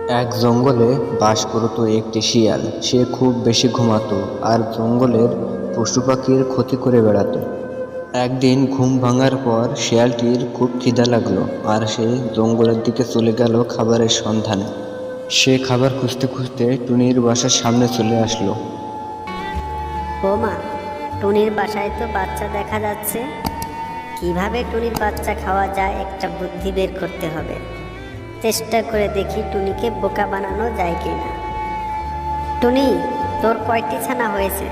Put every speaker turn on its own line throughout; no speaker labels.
এক জঙ্গলে বাস করত একটি শিয়াল। সে খুব বেশি ঘুমাতো আর জঙ্গলের পশু পাখির ক্ষতি করে বেড়াতো। একদিন ঘুম ভাঙার পর শিয়ালটির খুব খিদা লাগলো আর সে জঙ্গলের দিকে চলে গেল খাবারের সন্ধানে। সে খাবার খুঁজতে খুঁজতে টুনির বাসার সামনে চলে আসলো।
ও মা, টুনির বাসায় তো বাচ্চা দেখা যাচ্ছে। কিভাবে টুনির বাচ্চা খাওয়া যায় একটা বুদ্ধি বের করতে হবে। চেষ্টা করে দেখি টুনিকে বোকা বানানো যায় কিনা। টুনি, তোর কয়টি ছানা হয়েছে?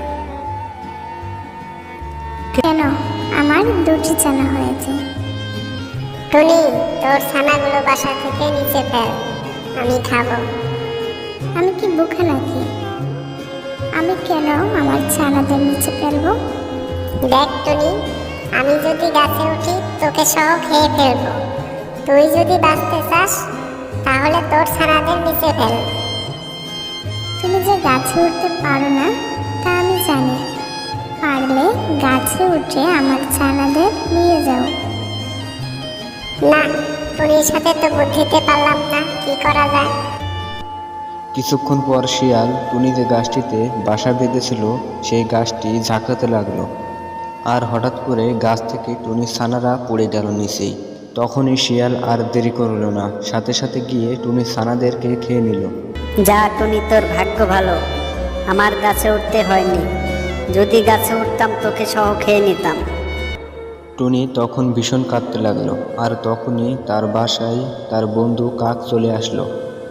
কেন, আমার দুটি ছানা হয়েছে। টুনি, তোর ছানাগুলো বাসা থেকে নিচে ফেল, আমি খাবো। আমি কি বোকা নাকি? আমি কেন আমার ছানাদের নিচে ফেলবো? দেখ টুনি, আমি যদি গাছে উঠি তোকে সহ খেয়ে ফেলবো। তুই যদি বাঁচতে চাস তাহলে তোর ছানাদের নিচে ফেল। তুমি যে গাছে উঠতে পারো না তা আমি জানি। পারলে গাছে উঠে আমার ছানাদের নিয়ে যাও। না, টুনির সাথে তো বুদ্ধিতে পারলাম না, কি করা যায়।
কিছুক্ষণ পর শিয়াল টুনি যে গাছটিতে বাসা বেঁধেছিল সেই গাছটি ঝাঁকাতে লাগলো আর হঠাৎ করে গাছ থেকে টুনির ছানারা পড়ে গেল নিচেই। তখনই শিয়াল আর দেরি করলো না, সাথে সাথে গিয়ে টুনির ছানাদেরকে খেয়ে নিল।
যা টুনি, তোর ভাগ্য ভালো, আমার গাছে উঠতে হয়নি। যদি গাছে উঠতাম তোকে সহ খেয়ে নিতাম।
টুনি তখন ভীষণ কাঁদতে লাগলো আর তখনই তার বাসায় তার বন্ধু কাক চলে আসলো।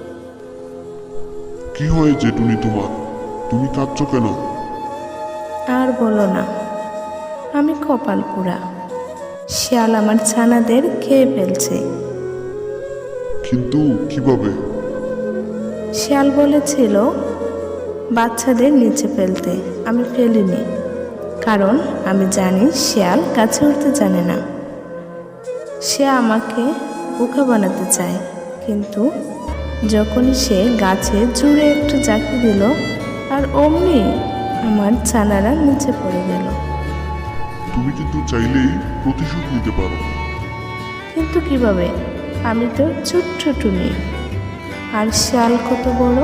কি হয়েছে টুনি তোমার? তুমি কাঁদছো কেন?
আর বলো না, আমি কপাল পোড়া। শিয়াল আমার ছানাদের খেয়ে ফেলছে।
কিন্তু কিভাবে?
শিয়াল বলেছিল বাচ্চাদের নিচে ফেলতে, আমি ফেলিনি, কারণ আমি জানি শিয়াল গাছে উঠতে জানে না। সে আমাকে বোকা বানাতে চায়, কিন্তু যখনই সে গাছে জুড়ে একটু জাকি দিল আর অমনি আমার ছানারা নিচে পড়ে গেল।
তুমি কিন্তু চাইলেই প্রতিশোধ নিতে পারো।
কিন্তু কিভাবে? আমি তো ছোট্ট টুনি, আর শিয়াল কত বড়।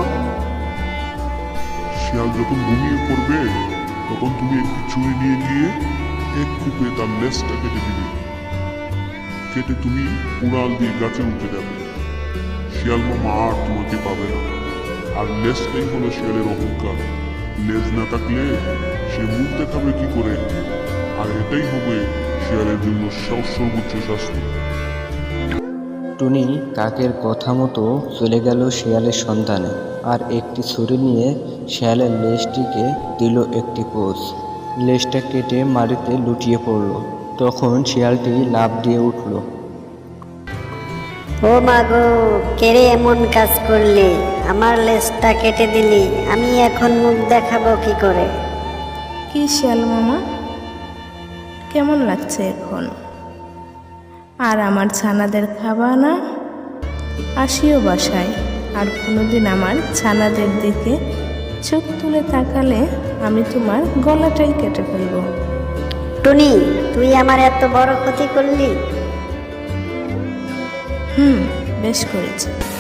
শিয়াল যখন ঘুমিয়ে পড়বে তখন তুমি একটি ছুরি নিয়ে গিয়ে এক কূপে তার লেজটা কেটে দিবে। কেটে তুমি উড়াল দিয়ে গাছে উঠে যাবে। শিয়াল মামা আর তোমাকে পাবে না। আর লেজটাই হলো শিয়ালের অহংকার। লেজ না থাকলে সে মুখ দেখাবে কি করে? আর এটাই হবে শিয়ালের জন্য সর্বোচ্চ শাস্তি।
টুনি কাকের কথা মতো চলে গেল শিয়ালের সন্ধানে আর একটি ছুরি নিয়ে শিয়ালের লেজটিকে দিল একটি কোষ। লেজটা কেটে মাটিতে লুটিয়ে পড়ল। তখন শিয়ালটি লাফ দিয়ে উঠল।
ও মা গো, কেড়ে এমন কাজ করলি, আমার লেজটা কেটে দিলি, আমি এখন মুখ দেখাবো কি করে?
কি শিয়াল মামা, কেমন লাগছে এখন? আর আমার ছানাদের খাবা না? আসিও বাসায়, আর কোনোদিন আমার ছানাদের দিকে চোখ তুলে তাকালে আমি তোমার গলাটাই কেটে ফেলবো।
টুনি, তুই আমার এত বড় ক্ষতি করলি?
বেশ করেছি।